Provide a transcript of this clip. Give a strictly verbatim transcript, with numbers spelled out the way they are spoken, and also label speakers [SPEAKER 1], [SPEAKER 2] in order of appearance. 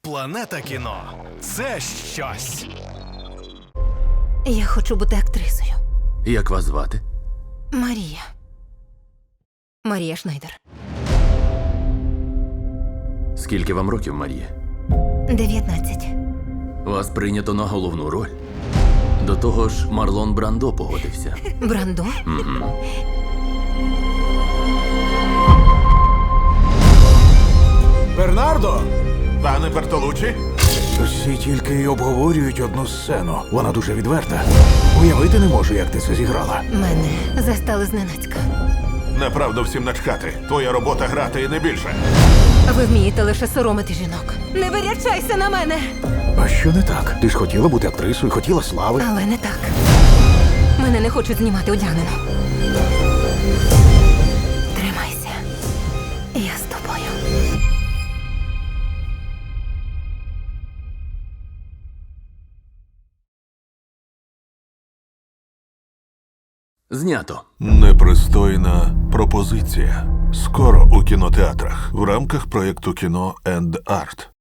[SPEAKER 1] Планета кіно – це щось.
[SPEAKER 2] Я хочу бути актрисою.
[SPEAKER 3] Як вас звати?
[SPEAKER 2] Марія. Марія Шнайдер.
[SPEAKER 3] Скільки вам років, Марія?
[SPEAKER 2] дев'ятнадцять.
[SPEAKER 3] Вас прийнято на головну роль. До того ж, Марлон Брандо погодився.
[SPEAKER 2] Брандо?
[SPEAKER 4] Бернардо!
[SPEAKER 5] Пане Бертолуччі?
[SPEAKER 4] Всі тільки й обговорюють одну сцену. Вона дуже відверта. Уявити не можу, як ти це зіграла.
[SPEAKER 2] Мене застали зненацька.
[SPEAKER 5] Направду всім начхати. Твоя робота грати і не більше.
[SPEAKER 2] Ви вмієте лише соромити жінок. Не вирячайся на мене!
[SPEAKER 4] А що не так? Ти ж хотіла бути актрисою, хотіла слави.
[SPEAKER 2] Але не так. Мене не хочуть знімати одягнено. Тримайся. Я з тобою.
[SPEAKER 3] Знято.
[SPEAKER 5] Непристойна пропозиція. Скоро у кінотеатрах в рамках проєкту кіно енд арт.